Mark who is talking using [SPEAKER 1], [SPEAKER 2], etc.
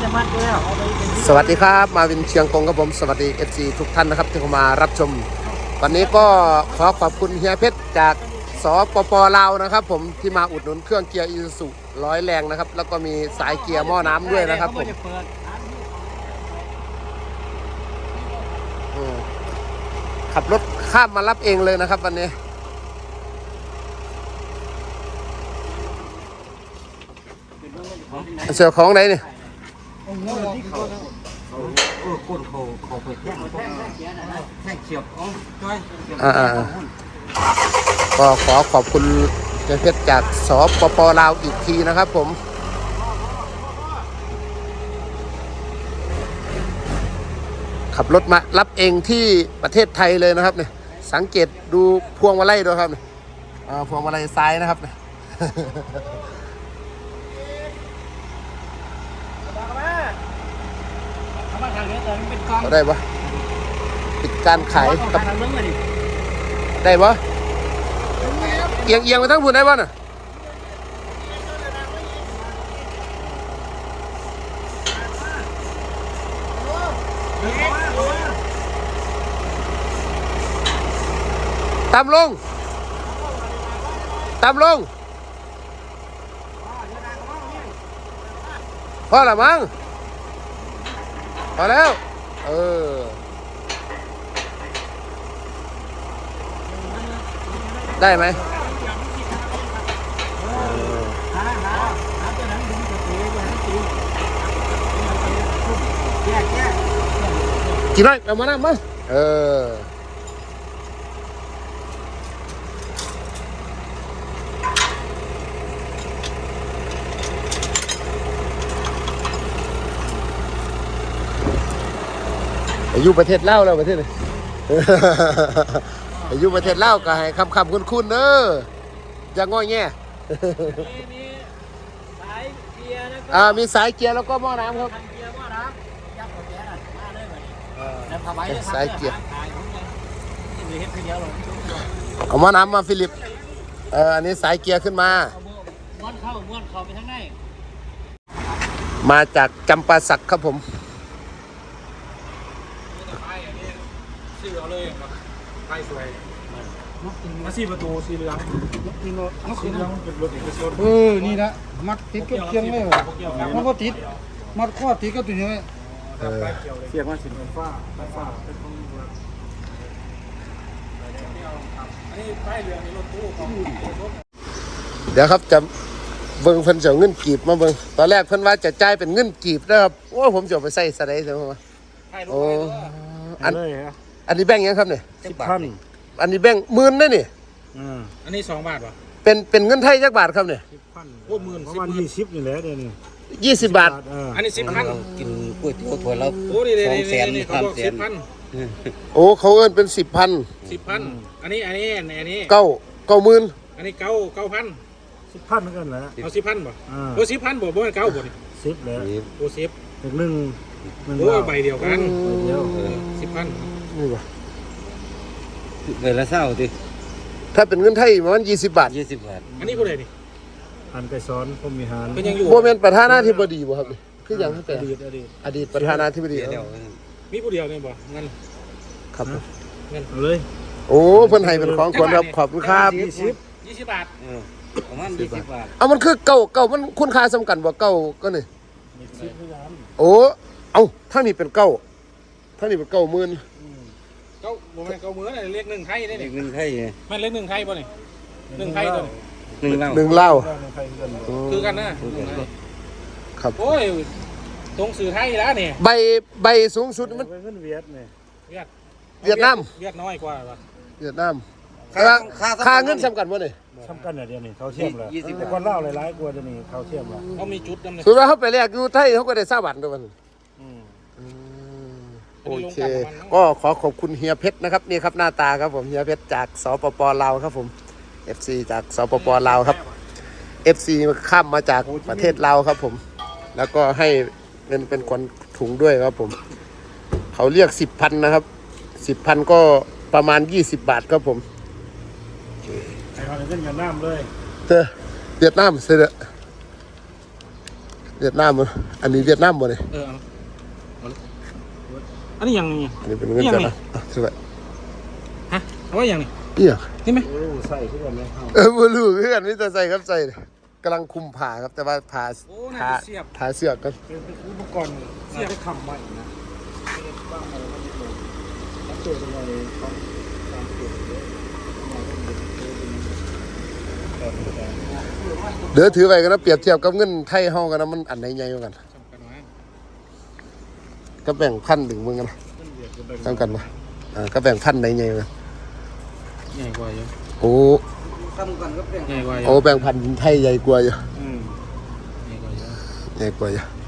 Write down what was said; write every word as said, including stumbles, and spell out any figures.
[SPEAKER 1] สวัสดีครับมาวินเชียงกงครับผมสวัสดี เอฟ ซี ทุกท่านนะครับที่เข้ามารับชมวันนี้ก็ขอขอบคุณเฮียเพชรจากสปป.ลาวนะครับผมที่มาอุดหนุนเครื่องเกียร์อีซูซุร้อยแรงนะครับแล้วก็มีสายเกียร์หม้อน้ำด้วยนะครับผมขับรถข้ามมารับเองเลยนะครับวันนี้เสือของไหนเนี่ยอ่าก็ขอขอบคุณเฮียเพชรจากสปป.ลาวอีกทีนะครับผมขับรถมารับเองที่ประเทศไทยเลยนะครับเนี่ยสังเกตดูพวงมาลัยด้วยครับเนี่ยพวงมาลัยซ้ายนะครับเนี่ยได้ปะปิดการขายกับได้ปะเอียงเอียงไปทั้งพุ่นได้ปะน่ะตามลงตามลงพอละมั้งพอแล้วเออได้ไหมกี่น้อยเอามาหน้ามาเอออายุประเทศลาวแล้วประเทศเลยอายุประเทศลาวก็ให้คำคำคุ้นคุ้นเนอะอย่างง้อแง่มีสายเกียร์แล้วก็อ่ามีสายเกียร์แล้วก็หม้อน้ำครับเกียร์หม้อน้ำยักษ์กับแก๊สมาเลยเลยสายเกียร์เอาหม้อน้ำมาฟิลิปเอออันนี้สายเกียร์ขึ้นมาม้วนเข้าม้วนเข้าไปทางในมาจากจำปาสักครับผมชื่อเอาเลยไปสวยมาสี่ประตูสีเหลืองนี่รถสีเหลืองเป็นรถเอกชนเออนี่นะมัดติดกับเคียงเลยมันก็ติดมัดข้อติดกับตัวนี้เสียงว่าสินฟ้าฟ้าเป็นของอันนี้ป้ายเหลืองนี่รถตู้ของเดี๋ยวครับจะเบิ้งเพิ่นจะเงินกีบมาเบิ้งตอนแรกเพิ่นว่าจะจ่ายเป็นเงินกีบนะครับโอ้ผมจะไปใส่สไลด์ใช่ไหมวะโอ้อันอันนี้แบ่งยังครับเนี่ยสิบพันอันนี้แบ่งหมื่นได้นี่อันนี้สองบาทวะเป็นเป็นเงินไทยจักบาทครับเนี่ยสิบพันโอ้หมื่นประมาณยี่สิบนี่แหละเดี๋ยวนี้ยี่สิบบาทอันนี้สิบพันกินก๋วยเตี๋ยวถั่วแล้วสองแสนสามแสนโอ้เขาเอิ้นเป็นสิบพันสิบพันอันนี้อันนี้อันนี้เก้าเก้าหมื่นอันนี้เก้าเก้าพันสิบพันเหมือนกันแหละเอาสิบพันบ่โอ้สิบพันบ่บ่เก้าบ่นี่สิบเลยโอ้สิบหนึ่งโอ้ใบเดียวกันเดียวสิบพันนี่บ่ใบละเศร้าดิถ้าเป็นเงินไทยประมาณยี่สิบบาทยี่สิบบาทอันนี้ผู้ใดนี่อันไปซ้อนผมมีหานเป็นยังอยู่โมเมนต์ประธานาธิบดีบ่ครับคืออย่างที่เป็นอดีตอดีตอดีตประธานาธิบดีมีผู้เดียวนี่บ่เงินครับเงินเลยโอ้เพิ่นให้เป็นของขวัญครับขอบคุณครับยี่สิบยี่สิบบาทประมาณยี่สิบบาทเอามันคือเก่าเก่ามันคุณค่าสำคัญบ่เก่าก็นี่โอ้เอาถ้านี่เป็นเก่าถ้านี่เป็นเก่าหมื่นเก้าโมเมนต์เก้าหมื่นอะไรเลขหนึ่งไทยได้เนี่ยหนึ่งไทยมันเลขหนึ่งไทยป่ะนี่หนึ่งไทยตัวหนึ่งเล่าหนึ่งเล่าคือกันนะครับโอ้ยตรงสื่อไทยแล้วเนี่ยใบใบสูงสุดมันเงินเวียดเนี่ยเวียดเวียดนามเวียดน้อยกว่าป่ะเวียดนามค่าค่าเงินสำคัญป่ะเนี่ยสำคัญเนี่ยเดี๋ยวนี้เขาเทียมเลยแต่คนเล่าหลายๆกว่าเดี๋ยวนี้เขาเทียมแล้วเขามีจุดนั่นเลยสุดแล้วเขาไปแลกอยู่ไทยเขาก็ได้ทราบบัตรด้วยมันโอเคก็ขอขอบคุณเฮียเพชรนะครับนี่ครับหน้าตาครับผมเฮียเพชรจากสปป.ลาวครับผม เอฟ ซี จากสปป.ลาวครับ เอฟ ซี ข้ามมาจากประเทศลาวครับผมแล้วก็ให้เงินเป็นคนถุงด้วยครับผมเขาเรียกสิบพันนะครับสิบพันก็ประมาณยี่สิบบาทครับผมไอ้เขาเล่นกันน้ำเลยเธอเวียดนามเสร็จเวียดนามบ่อันนี้เวียดนามบ่เนี่ย
[SPEAKER 2] เออเอาเอาอันนี้ยังไง
[SPEAKER 1] อันนี้เป็นเงินกันนะอ่ะถือไว้
[SPEAKER 2] ฮะเอาไว้ยังนี่
[SPEAKER 1] เอี่ย
[SPEAKER 2] นี่ไหม
[SPEAKER 3] ใส่ทุกวันเลยครับ
[SPEAKER 1] เออบ่รู้คือกันนี่แต่ใส่ครับใส่กำลังคุมผ่าครับแต่ว่าผ่า
[SPEAKER 2] โอ้น่า
[SPEAKER 1] ผ่า
[SPEAKER 2] จะเสียบ
[SPEAKER 1] ผ่าเสือกกัน
[SPEAKER 3] เป็นอุปกรณ์เสียบคำใหม่นะบ้างอะไรก็ไม่รู้ถ้าเจออะไรต้องการเปลี่ยนเลย
[SPEAKER 1] เดี๋ยวถือไว้กันนะเปรียบเทียบกับเงินไทยเฮากันนะมันอันไหนใหญ่กว่ากัน
[SPEAKER 2] จำกันไว้
[SPEAKER 1] ก็แบ่งพันถึงมึงกันนะจำกันปะอ่าก็แบ่งพันไหนใหญ่กว่ากัน
[SPEAKER 2] ใหญ่กว่าเยอะ
[SPEAKER 1] โอ้
[SPEAKER 3] ทำกันก็เปลี่ยน
[SPEAKER 2] ใหญ่กว่าเย
[SPEAKER 1] โอ้
[SPEAKER 2] อะ
[SPEAKER 1] แบ่งพันไทยใหญ่กว่าอยู่
[SPEAKER 2] อืมใหญ่กว่าเยอะ
[SPEAKER 1] ใหญ่กว่าอยู่